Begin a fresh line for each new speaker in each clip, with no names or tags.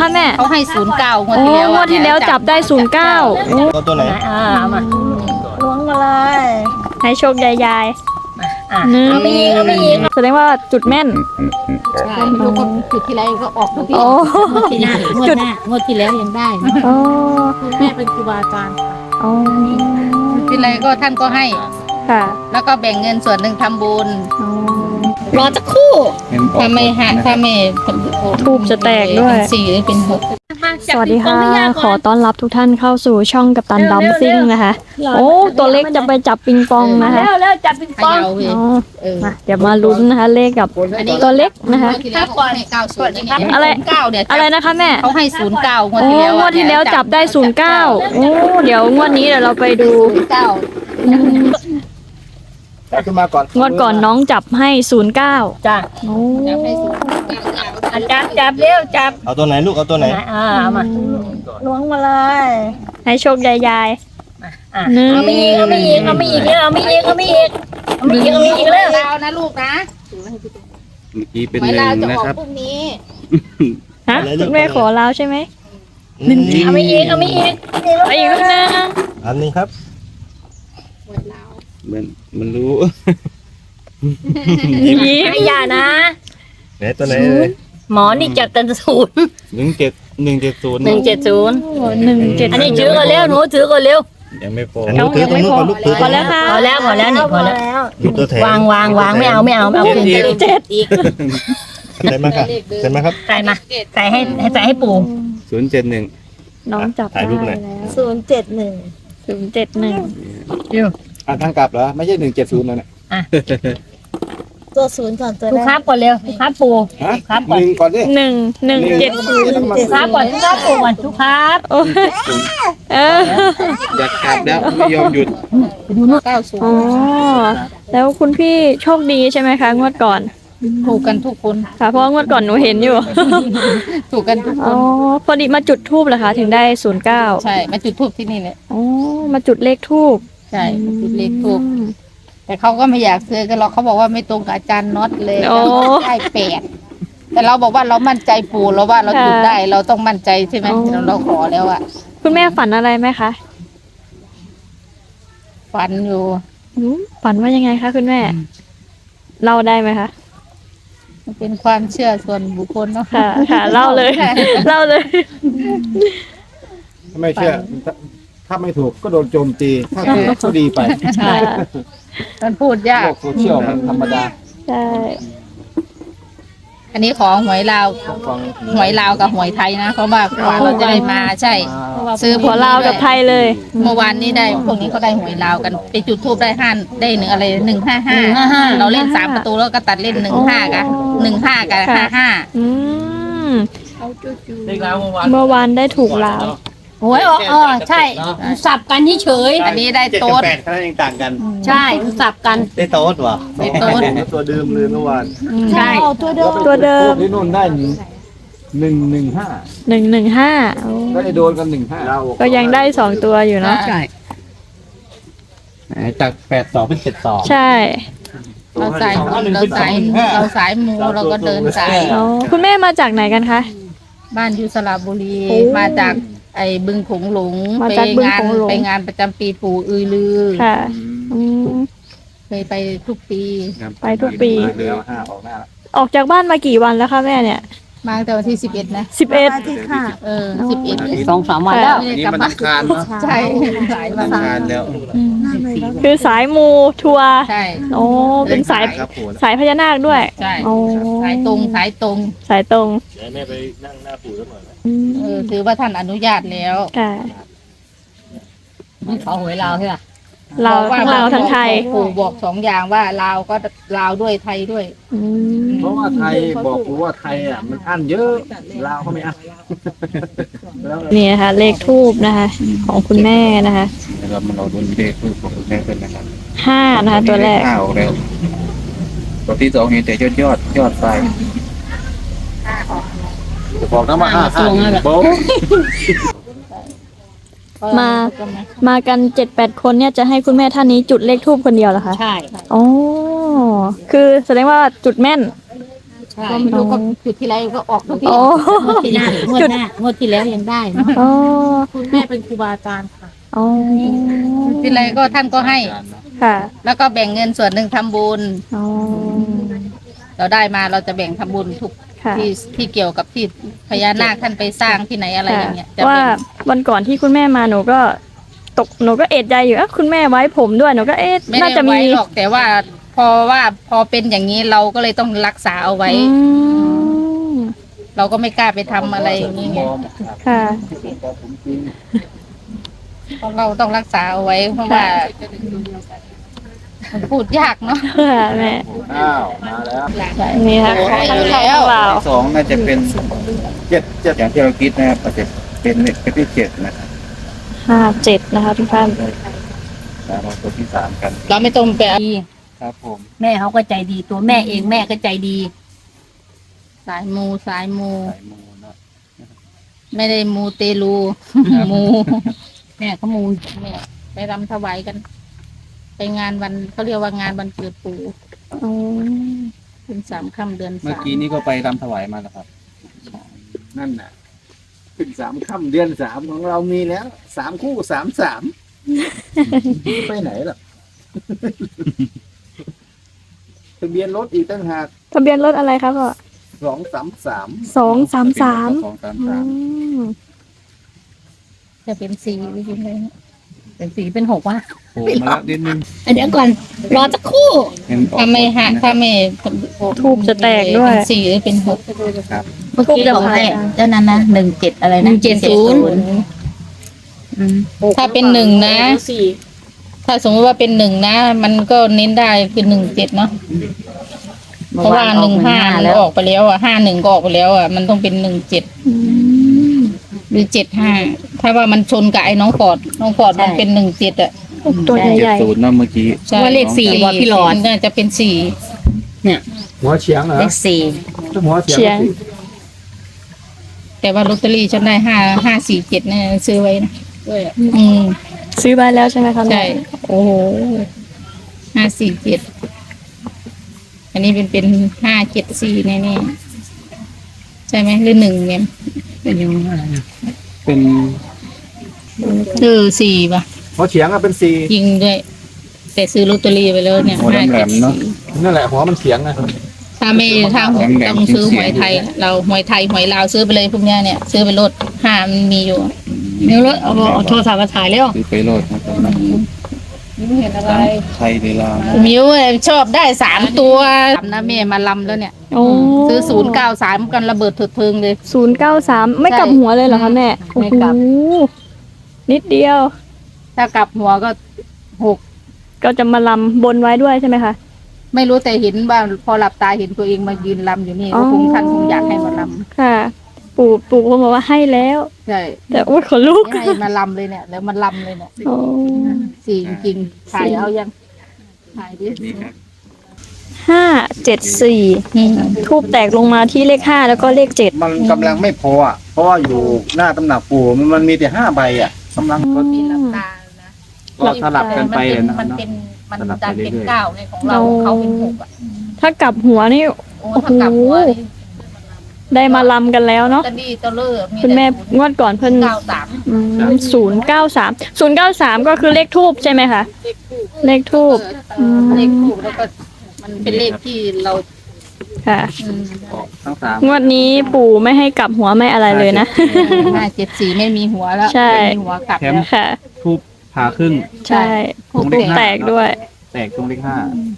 คะแม่
เขาให้09งวด
โอ้
ที่แล้ว
งวดที่แล้วจับได้09
เอาตัวไหน
เอามาล้วงมาเลย
ให้โชคยาย
อ่ะ
หนึ่ง
เอาไปอีกเอาไปอีก
แสดงว่าจุดแม่น
ใช่ทุกคนจุดที่ไรก็ออกทุกที
โอ้
งวดที่หน้างวดที่แล้วยังได้นะ
โอ้
แม่เป็นครูบาอาจารย์
โอ้
ที่ไรก็ท่านก็ให้
ค่ะ
แล้วก็แบ่งเงินส่วนหนึ่งทำบุญ
โอ้
รอสักครู่ถ้าไม่
ทูบจะแตกด้วย
เป็น4หรือเป็น6
สวัสดีค่ะ ขอต้อนรับทุกท่านเข้าสู่ช่องกัปตันดัมซิ่งนะคะ โอ้ ตัวเล็กจะไปจับปิงปองนะคะ
แล้วจับปิงปอง
อ๋อมาเดี๋ยวมาลุ้นนะคะ เลขกับตัวเล็กนะคะ
ที่แล้วก่อนให้90
อะไร
9เนี่ย
อะไรนะคะแม่
เขาให้09งวด
โอ้
ที่แล้ว
งวดที่แล้วจับได้09โอ้เดี๋ยวงวดนี้เดี๋ยวเราไปดู
9
อืม
เอาขึ้นมาก่อน
งวดก่อนน้องจับให้09
จ้ะ
โอ้
จับให้09อาจารย์จับเร็วจับ
เอาตัวไหนลูกเอาตัวไหน
เอามาล้วงมาเลย
ให้โชคยาย
อ่ะ
หนึ่ง
เอาไม่อีกเอาไม่อีกเอาไม่อีกแล้วเอาไม่อีกเอาไม่อีกเอาไม่อีกเอาไม่อีกแล้วลาวนะลูกนะ
เมื่อกี้เป็น
หวย
หนึ่
ลาว
ง
จะ
นะ
ออก
ครับ
พรุ่งนี้
ฮะคุณแม่ขอลาวใช่ไหม
เอาไม่อีกเอาไม่อีก
ไปอีกนิดนึง
อันนี้ครับ
หวยลาว
มันรู้
ยิ้ม
ไม่อย่านะ
ไหนตัวไหนเลย
หมอนี่จับตัน0170
170
171
อันนี้ถือก่อนเร็วหนูถือก่อนเร็ว
ยังไม่พอ
อันนี้ถือตรงนู้นก่อนลูกถือ
พอแล้วค่ะ
พอแล้วนี่พอแล้ว
หยิบตัวแถม
วางไม่เอาคืน
เจ็ด
อีก
ใช่ไหมครับใช่ไหมครับ
ใส่มาใส่ให้ปู่
071
น้องจับ
ถ่ายรู
ได้
ปหน่
แล้
อยว
071
ทางกลับเหรอไม่ใช่170แล้วเนี่ย
ตัวศูนย์ก่อนตัว
ทุก
แร
ครั
ก
บก่อนเร็วทุกครับปู่
ฮะ
ครับก่อน
1ก่อนดิ
1
ทุกครับก่อนทุกครับปู่ก่อนทุกครับ
โอ้ยเออ
อยากกลับแล้วไม่ยอมหยุด
ดูนู่น90
อ๋อแล้วคุณพี่โชคดีใช่ไหมคะงวดก่อน
ถูกกันทุกคน
ค่ะเพราะว่างวดก่อนหนูเห็นอยู่
ถูกกันทุกค
อ๋อน พอดีมาจุดทูบเหรอคะถึงได้09
ใช่มาจุดทูบที่นี่เลย
อ๋อมาจุดเลขทูบ
ใช่มาจุดเลขทูบแต่เขาก็ไม่อยากซื้อกันหรอกเขาบอกว่าไม่ตรงกับอาจารย์น็อตเลย
โอ้
ได้8แต่เราบอกว่าเรามั่นใจปู่เราว่าเราจุดได้เราต้องมั่นใจใช่ไหมเราขอแล้วอะ
คุณแม่ฝันอะไรไหมคะ
ฝันอยู่
ฝันว่ายังไงคะคุณแม่เล่าได้ไหมคะ
มันเป็นความเชื่อส่วนบุคคลเนาะ
ค่ะเล่าเลยเล่าเลย
ถ้าไม่เชื่อถ้าไม่ถูกก็โดนโจมตีถ้าถูกก็ดีไป
ใช่มันพูดยาก
โลกโซเชียลมันธรรมดา
ใช่
อันนี้ขอหวยลาว
ฟัง
หวยลาวกับหวยไทยนะเพราะว่ากว่าเราจะได้มาใช่ ซื้อ
หัวลาวกับไทยเลย
เมื่อวานนี้ได้พวกนี้เขาได้หวยลาวกันไปจุดทูบได้ได้หนึ่งอะไร155เราเล่น3ประตูแล้วก็ตัดเล่น15กับ15กับ55
อืมเมื่อวานได้ถูกลาว
หวยใช่สับกันเฉยอันนี้ได้โต๊ด
8คะแนนยังต่างกัน
ใช่สับกัน
ได้โต๊ดวะ
ได้โต๊ด
ตัวเดิมเลยเมื่อวาน
ใช่
เอาตัวเดิม
ตัวเดิม
ที่นู่นได้115
115
ก็ได้โดนกัน15
ก็ยังได้2ตัวอยู่เนาะ
ใช่
จาก82เป็น72
ใช่
เราสายมูเราก็เดินสาย
อ๋อคุณแม่มาจากไหนกันคะ
บ้านอยู่สระบุรี
โอ้
มาจากไอ้บึงโขงหลง
มาจากบึงโขงหลง
ไปงานประจำปีปู่อือลือ
ค่ะอืม
เคยไปทุกปี
ไปทุกปี
แล้ว5ออกหน้า
ออกจากบ้านมากี่วันแล้วคะแม่เนี่ย
มาตั้งแต่วันที่11นะ
11
ที่ค่ะ
11 2-3 วันแล้ว
นี่มันอังคารเนาะ
ใช่หลายวั
อั
น
งคารแล้ว
คือสายมูทัวร์
ใช่
โอ้เป็นสาย
ครับปู่นะ
สายพญานาคด้วย
ใช่
โอ้
สายตรง
สายตรง
เดี๋ยวแม่ไปนั่งหน้าปู่สักหน่อยไหม
อืม
ถือว่าท่านอนุญาตแล้ว
ค่ะ
เขาหวยลาวใช่ไหม
เราทั้งเราทั้งไทย
ปู่บอก2อย่างว่าลาวก็ลาวด้วยไทยด้วย
อืม
เพราะว่าไทยบอกรู้ว่าไทยอ่ะมันอั้นเยอะลาวเขาไม่อั้นแล้ว
นี่นะคะเลขทูบนะคะ ของคุณแม่นะคะ
เรามาเราดูเลขคือของแม่เป็นนะครับ
5นะคะตัวแรก
ข้าวแล้วตัวที่2เห็นแต่ยอดไปจะบอกนะมา55โบ๊ะ
มากัน 7-8 คนเนี่ยจะให้คุณแม่ท่านนี้จุดเลขทูบคนเดียวเหรอคะ
ใช่
อ๋อคือแสดงว่าจุดแม่น
ใก็ไม่รู้ก็จุดที่ไรก็ออกทุกที
โอ้
ที่หน้างวดหน้างวดที่แล้วยังได้เนาะ
อ๋อ
คุณแม่เป็นครูบาอาจารย์ค่ะ
อ๋อ
ที่ไรก็ท่านก็ให้
ค่ะ
แล้วก็แบ่งเงินส่วนหนึ่งทำบุญ
อ๋อ
เราได้มาเราจะแบ่งทำบุญทุก
ค่ะ
ที่เกี่ยวกับที่พญานาคท่านไปสร้างที่ไหนอะไรอย่างเงี้ยจะ
ว่า
แบ่ง
วันก่อนที่คุณแม่มาหนูก็เอะใจอยู่คุณแม่ไว้ผมด้วยหนูก็
ไม่
น่า
ได้
จะมี
ไว้หรอกแต่ว่าพอเป็นอย่างนี้เราก็เลยต้องรักษาเอาไว้
อืม
เราก็ไม่กล้าไปทำอะไรอย่างนี้ไง
ค่ะ
เพราะเราต้องรักษาเอาไว้เพราะว่ามันพูดยากเนาะ
ค่ะแม่
อ้าวมาแล้ว
นี่ค่ะ
ให้อยู่
ข้าง
แล้ว
เรา
สองน่าจะเป็น7อย่างที่เราคิดนะครับอาจจะเป็นที่7นะครับ
57นะคะทุกท่าน
แล้วเราตัวที่3กัน
เราไม่ต้องไป
ครับผม
แม่เขาก็ใจดีตัวแม่เองแม่ก็ใจดี
สายมูสายมู
สายมูเนาะ
ไม่ได้มูเตลู มู
แม่เขามูล
แม่ไปรำถวายกัน ไปงานวันเขาเรียกว่างานวันเกิดปู่
อ๋อ
เป็น3 ค่ำเดือน
เมื่อ
3
กี้นี่ก็ไปรำถวายมาแล้วครับ
นั่นน่ะขึ้น3 ค่ำเดือน 3ของเรามีแล้ว3 คู่ 3 ไปไหนล่ะ ทะเบียนรถอีกตั้งหาก
ทะเบียนรถอะไรครับพ่อ
233
233
จะเป็น4หรือยังไงเป็น4เป็น6วะ
โผล่มาแล้วนิดนึง
เดี๋ยวก่อนรอสักครู่
เห็นออก
ถ้าไม่หาถ้าไม่
ทูบจะแตกด้วย
เป็น4หรือเป็น6
เมื่อกี้ของให้เจ้านั้นนะ17อะไรนะ170
ถ้าเป็น1นะ ถ้าสมมติว่าเป็น1นะ มันก็เน้นได้คือ17เนาะเพราะว่า15มันออกไปแล้วอ่ะ51ก็ออกไปแล้วอ่ะมันต้องเป็น17หรือ75ถ้าว่ามันชนกับไอ้น้องฟอร์ดมันเป็น17อ่ะ
ตัวใหญ่
70เนาะเมื่อกี้
ใช่
ว่าเลข4ว่าพี่หลอด
น่าจะเป็น4
หัวเฉียงเหรอ
เลข4
หัวเฉียง
แต่ว่าลอตเตอรี่ฉันได้547เนี่ยซื้อไว้นะอืม
ๆ ซื้อไว้แล้วใช่ไหมคะแม่
ใช่
โอ้โห
547อันนี้เป็น574แน่ๆใช่ไหมหรือ1เนี่ย
เป็นยังไง
เป็น
4ป่ะ
หัวเฉียงอะเป็น
ยิงด้วย แต่ซื้อลอตเตอรี่ไปแล้วเนี่ย
หัวแหลมๆเนาะ
4นั่นแหละหัวมันเฉียงอะ
ถ้าไม่ถ้า
แหลมๆ
ต้องซื้อหวยไทย เราหวยไทยหวยลาวซื้อไปเลยพวกเนี้ยเนี่ยซื้อไปลด5มันมีอยู่
เดี๋ยวรถเอาโทรศัพท์มาถ่ายแล้ว
ซื้อไปโลดนะครับ
เห็นอะไร
ไทยหรือลาว
มิวชอบได้3 ตัวนะแม่มาลำแล้วเนี่ย
โอ้
ซื้อ093กันระเบิดเถิดเทิงเลย
093 ไม่กลับหัวเลยเหรอคะแม่โอ้
ไม่
โห
กลับ
นิดเดียว
ถ้ากลับหัวก็6
ก็จะมาลำบนไว้ด้วยใช่ไหมคะ
ไม่รู้แต่เห็นว่าพอหลับตาเห็นตัวเองมายืนลำอยู่นี่
อ๋อ
ก็คงท่านคงอยากให้มาล
ค่ะ ปู่คงบอกว่าให้แล้ว
ำใช่
แต่โอ้ยขนลุก
ให้มาลำเลยเนี่ยแล้วมันลำเลยเนี่ย
โอ้
สี่จริงๆถ่ายเอายังถ่ายดิ
นี่ครับ
574ทูบแตกลงมาที่เลข5แล้วก็เลข7
มันกำลังไม่พออ่ะ เพราะว่าอยู่หน้าตำหนักปู่มันมีแต่5 ใบอ่ะกำลังก็
มีหลับตานะ
ก็สลับกันไปเลยนะครั
มั
บ
น
เนาะ
เป็นมัน
สลับไป
ดันเป็น
เรื่อยๆ
9ในของเราเขาเป็น6อ่ะ
ถ้ากลับหัวนี่
โอ้ถ้ากลับหัวนี่
ได้มาลำกันแล้วเนาะ
ตะลี่ตะเลิศ
คุณแม่งวดก่อนเพิ่น 093 ก็คือเลขทูบใช่ไหมคะ เลขทูบ
เลขถูกแล้วก็มันเป็นเลขที่เรา
ค่ะ
ออกทั้งสาม
งวดนี้ปู่ไม่ให้กลับหัวไม่อะไรเลยนะ
574ไม่มีหัวแล้ว
ใช่
ไม่มีหัวกลับแล้ว
ค่ะ
ทูบผ่าครึ่ง
ใช่ทูบแตกด้วย
แตกตรงเลข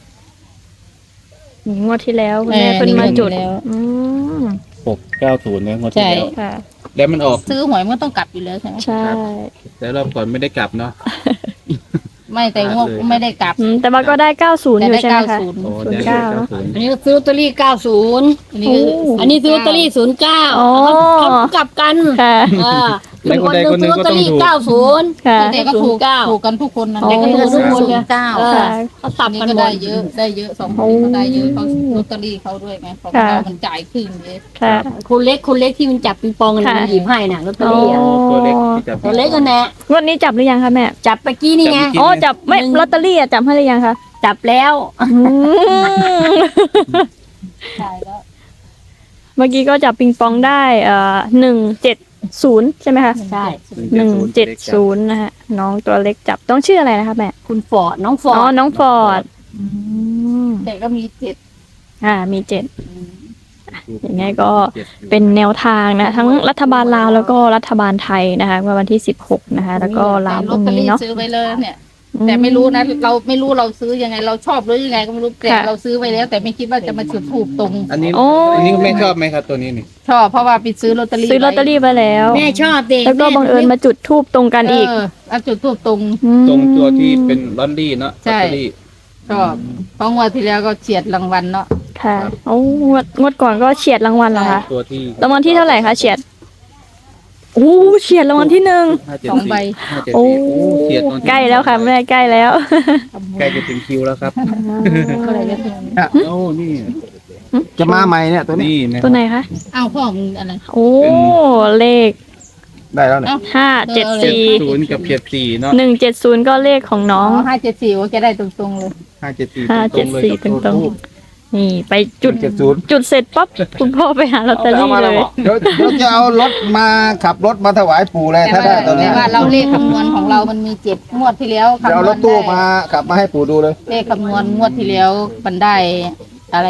งวดที่แล้วคุณแม่เพิ่นมาจุด
แล้ว
อืม
690เนี่ยงวดที่
ใช่
แล้ว
ค่ะ
แล้วมันออก
ซื้อหวยมันก็ต้องกลับอยู่แล้วใช่ไหม
ใช่
แต่รอบก่อนไม่ได้กลับเนาะ
ไม่แต่งวดไม่ได้กลับ
แต่ว่าก็ได้ 90
แต่
อยู่
ได้
ใช่ไหมคะ
โอ้
09
เดี๋ยวเนาะ
อันนี้ซื้อลอตเตอรี่90
อันนี้ก็
อันนี้ซื้อลอตเตอรี่09
อ๋อ
เขากลับกัน
ค่ะ
เป็นคนหนึงซื้อลอตเตอรี่90
ค่ะ
แต่ก็ถูก
09
ถูกกันทุกคนนะ
อ๋อ
แต่ก็ถูกทุกคนเลย
ค่ะ
เขาสับ
นี่
กัน
ก็
หม
ได้
ด
เยอะได้เยอะ2 คนก็ได้เยอะเขาลอตเตอรี่เขาด้วยไงของเรามันจ่ายครึ่งเลย
ค่ะ
คุณเล็กที่มันจับปิงปองกัน
ค่ะ
มันหยิบให้น่ะลอตเตอรี่อะ
อ๋อ
ตัวเล็กที่จะ
ตัวเล็กกันแน่
งวดนี้จับหรือยังคะแม่
จับไปกี้นี่ไง
อ๋อจับไม่ลอตเตอรี่อะจับให้หรือยังคะ
จับแล้ว
อืม
จ่ายแล้ว
มื่อกี้ก็จับปิงปองได้170ใช่ไหมคะ
ใช่
170นะคะน้องตัวเล็กจับต้องชื่ออะไรนะคะแม่
คุณฟอร์ดน้องฟอ
อ๋อ
ร์ด
น้องฟอร์ด
แต่ก็มีเจ็ด
มี7อย่างไงก็เป็นแนวทางนะทั้งรัฐบาลลาวแล้วก็รัฐบาลไทยนะคะเมื่อวันที่16นะคะแล้วก็ลาวพ
ลอ
รุ่
ต
ง
เตอ
นี้
รี่
เนาะ
ซื้อไปเลยเนี่ย แต่ไม่รู้นะเราไม่รู้เราซื้อยังไง เราชอบหรือยังไงก็ไม่รู้แต่เราซื้อไปแล้ว แต่ไม่คิดว่าจะมาจุดถูกตรง
อันนี้
โอ้
อันนี้ไม่ชอบไหมครับตัวนี้นี่
ชอบเพราะว่าไปซื้อลอตเตอรี่
ซื้อลอตเตอรี่ไปแล้ว
แม่ชอบเด็ก
แล้วก็บังเอิญมาจุดทูบตรงกันอีก
เอาจุดถูกตรง
ม
ตรงตัวที่เป็นลอนดี้เนาะ
ใช่
ลอตเตอรี่
ชอบเพราะงวดที่แล้วก็เฉียดรางวัลเนาะ
ค่ะโอ้งวดก่อนก็เฉียดรางวัลเหรอคะ
ตัวที่
รางวัลที่เท่าไหร่คะเฉียดโอ้เฉียดรางวัลที่1
2 ใบ
โอ้
เฉียดตอนที่
ใกล้แล้วค่ะแม่ใกล้แล้ว
ใกล้จะถึงคิวแล้วครับ
ก็เลยจะถึง
โอ้นี่
จะมาใหม่เนี่ยตัวนี้
นี่นะ
ตัวไหนคะ
อ้าวพ่อมึงอะไร
โอ้เลข
ได้แล้วเนี่ย
574
ศูนย์กับ74เนาะ
170ก็เลขของน้อง
574ว่าจะได้ตรงๆเลย
574ตรงเลย
574ตรงๆนี่ไปจุด
70
จุดเสร็จปั๊บคุณพ่อไปหาลอตเตอรี่เลย
เดี๋ยวจะเอารถมาขับรถมาถวายปู่เลยถ้าได้ตัว
แต่
นี้
ว่าเราเลขคำนวณของเรามันมี7งวดที่แล้ว
เดี๋ยวเอารถตู้มาขับมาให้ปู่ดูเลย
เลขคำนวณงวดที่แล้วมันได้อะไร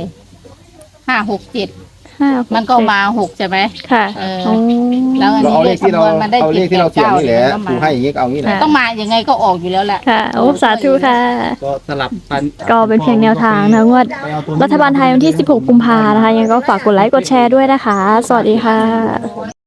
567
5
มันก็มา6ใช่ไหม
ค่ะ
เออ
โอ้
แล้วอัน
เรา
นี้
เอา
เล
เล
ข
ขที่
คำน
เรา
วณมันได้
เอาเลขที่เราเขียนนี่แหละ
789
ปู่ให้อย่างนี้ก็เอางี้แหละ
ต้องมายังไงก็ออกอยู่แล้วแหละ
ค่ะโอ้สาธุค่ะ
ก็สลับพัน
ก็เป็นเพียงแนวทางนะงวดรัฐบาลไทยวันที่ 16 กุมภานะคะยังไงก็ฝากกดไลค์กดแชร์ด้วยนะคะ สวัสดีค่ะ